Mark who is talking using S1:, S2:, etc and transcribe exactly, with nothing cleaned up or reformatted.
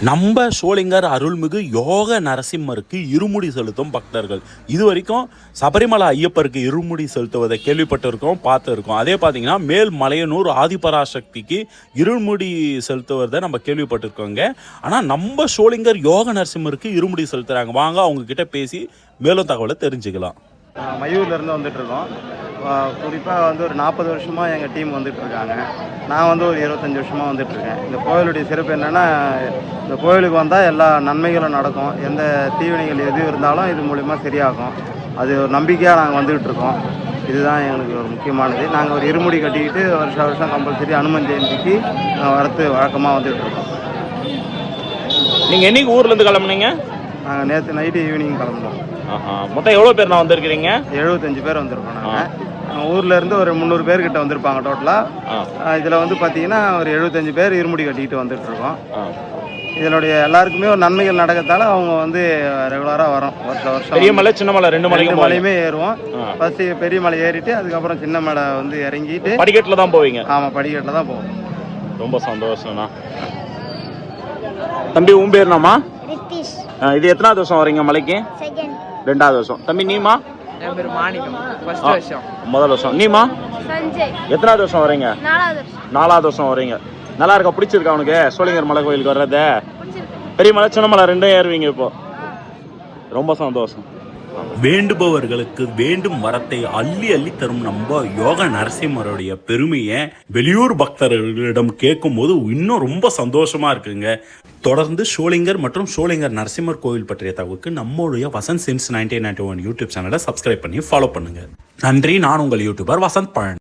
S1: நம்ம சோளிங்கர் அருள்மிகு யோக நரசிம்மருக்கு இருமுடி செலுத்தும் பக்தர்கள் இது வரைக்கும் சபரிமலை ஐயப்பருக்கு இருமுடி செலுத்துவதை கேள்விப்பட்டிருக்கோம், பார்த்துருக்கோம். அதே பார்த்தீங்கன்னா மேல் மலையனூர் ஆதிபராசக்திக்கு இருமுடி செலுத்துவதை நம்ம கேள்விப்பட்டிருக்கோங்க. ஆனால் நம்ம சோளிங்கர் யோக நரசிம்மருக்கு இருமுடி செலுத்துகிறாங்க. வாங்க அவங்க கிட்ட பேசி மேலும் தகவலை தெரிஞ்சுக்கலாம்.
S2: மயூர்லேருந்து வந்துட்டுருக்கோம். குறிப்பாக வந்து ஒரு நாற்பது வருஷமாக எங்கள் டீம் வந்துட்டுருக்காங்க. நான் வந்து ஒரு இருபத்தஞ்சி வருஷமாக வந்துட்டுருக்கேன். இந்த கோயிலுடைய சிறப்பு என்னென்னா, இந்த கோயிலுக்கு வந்தால் எல்லா நன்மைகளும் நடக்கும். எந்த தீவினைகள் எது இருந்தாலும் இது மூலிமா சரியாகும். அது ஒரு நம்பிக்கையாக நாங்கள் வந்துக்கிட்டு இருக்கோம். இதுதான் எங்களுக்கு ஒரு முக்கியமானது. நாங்கள் ஒரு இருமுடி கட்டிக்கிட்டு வருஷம் வருஷம் கம்பல்சரி அனுமன் ஜெயந்திக்கு வரத்து வழக்கமாக வந்துட்டுருக்கோம்.
S3: நீங்கள் என்னைக்கு ஊர்லேருந்து கிளம்புனீங்க?
S2: நாங்கள் நேற்று நைட்டு ஈவினிங் கிளம்புனோம்.
S3: மொத்தம் எவ்வளோ பேர் நான் வந்திருக்கிறீங்க?
S2: எழுபத்தஞ்சு பேர் வந்திருக்கோம். நாங்கள் ஊர்ல இருந்து ஒரு முந்நூறு பேர் கிட்ட வந்திருப்பாங்க டோட்டலாக. இதில் வந்து பார்த்தீங்கன்னா ஒரு எழுபத்தஞ்சு பேர் இருமுடி கட்டிக்கிட்டு வந்துட்டு இருக்கோம். இதனுடைய எல்லாருக்குமே ஒரு நன்மைகள் நடக்கத்தால அவங்க வந்து ரெகுலராக வரோம். வருஷம் வருஷம்
S3: பெரிய மலை சின்ன மலை ரெண்டு மலை
S2: மலையுமே ஏறுவோம். ஃபர்ஸ்ட் பெரிய மலை ஏறிட்டு அதுக்கப்புறம் சின்ன மலை வந்து இறங்கிட்டு
S3: படிக்கட்டில் தான் போவீங்க?
S2: ஆமாம், படிக்கட்டில் தான் போவோம்.
S3: ரொம்ப சந்தோஷம்ண்ணா. தம்பி உன் பேர்னாமா? இது எத்தனாவது வருஷம் வரீங்க மலைக்கு? ரெண்டாவது வருஷம். தம்பி நீமா?
S4: என் பேர் மாணிக்கம். ஃபர்ஸ்ட் வருஷம்.
S3: முதல் வருஷம். நீமா?
S5: சஞ்சய்.
S3: எத்தனாவது வருஷம் வரீங்க?
S5: நாலாவது வருஷம்.
S3: நாலாவது வருஷம் வரீங்க. நல்லா இருக்கா? பிடிச்சிருக்கா உனக்கு சோளிங்கர் மலை கோயிலுக்கு வர்றது? பெரிய மலை சின்ன மலை ரெண்டும் ஏறுவீங்க இப்போ? ரொம்ப சந்தோஷம்.
S1: வேண்டுபவர்களுக்கு வேண்டும் வரத்தை அள்ளி அள்ளி தரும் நம்ம யோக நரசிம்மருடைய பெருமையை வெளியூர் பக்தர்களிடம் கேட்கும் போது இன்னும் ரொம்ப சந்தோஷமா இருக்குங்க. தொடர்ந்து சோளிங்கர் மற்றும் சோளிங்கர் நரசிம்மர் கோவில் பற்றிய தகவலுக்கு நம்மளுடைய Vasanth since nineteen ninety one YouTube சேனலை சப்ஸ்கிரைப் பண்ணி ஃபாலோ பண்ணுங்க. நன்றி. நான் உங்கள் யூடியூபர் வசந்த் பழனி.